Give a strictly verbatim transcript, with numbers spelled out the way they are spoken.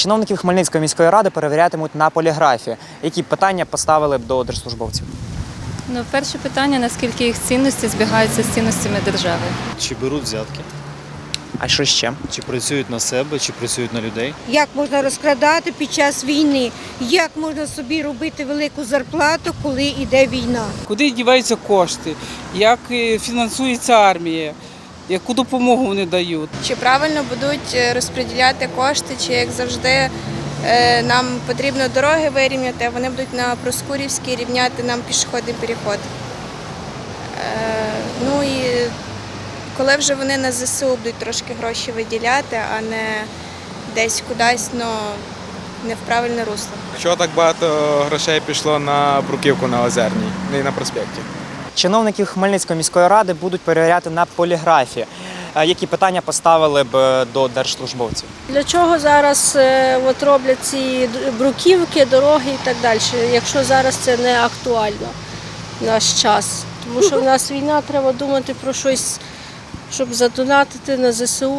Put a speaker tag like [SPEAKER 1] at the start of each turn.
[SPEAKER 1] Чиновників Хмельницької міської ради перевірятимуть на поліграфі. Які питання поставили б до держслужбовців?
[SPEAKER 2] Ну, перше питання, наскільки їх цінності збігаються з цінностями держави.
[SPEAKER 3] Чи беруть взятки,
[SPEAKER 1] А що ще?
[SPEAKER 3] чи працюють на себе, чи працюють на людей.
[SPEAKER 4] Як можна розкрадати під час війни? Як можна собі робити велику зарплату, коли йде війна?
[SPEAKER 5] Куди діваються кошти, як е, фінансується армія, яку допомогу вони дають.
[SPEAKER 6] Чи правильно будуть розподіляти кошти, чи, як завжди, е, нам потрібно дороги вирівняти, а вони будуть на Проскурівській рівняти нам пішохідний переход. Е, Ну і коли вже вони на ЗСУ будуть трошки гроші виділяти, а не десь кудись, ну, не в правильне русло.
[SPEAKER 7] Чого так багато грошей пішло на бруківку на Озерній, не і на проспекті?
[SPEAKER 1] Чиновників Хмельницької міської ради будуть перевіряти на поліграфі. Е, Які питання поставили б до держслужбовців?
[SPEAKER 8] Для чого зараз е, от роблять ці бруківки, дороги і так далі, якщо зараз це не актуально в наш час? Тому що в нас війна, треба думати про щось, щоб задонатити на ЗСУ.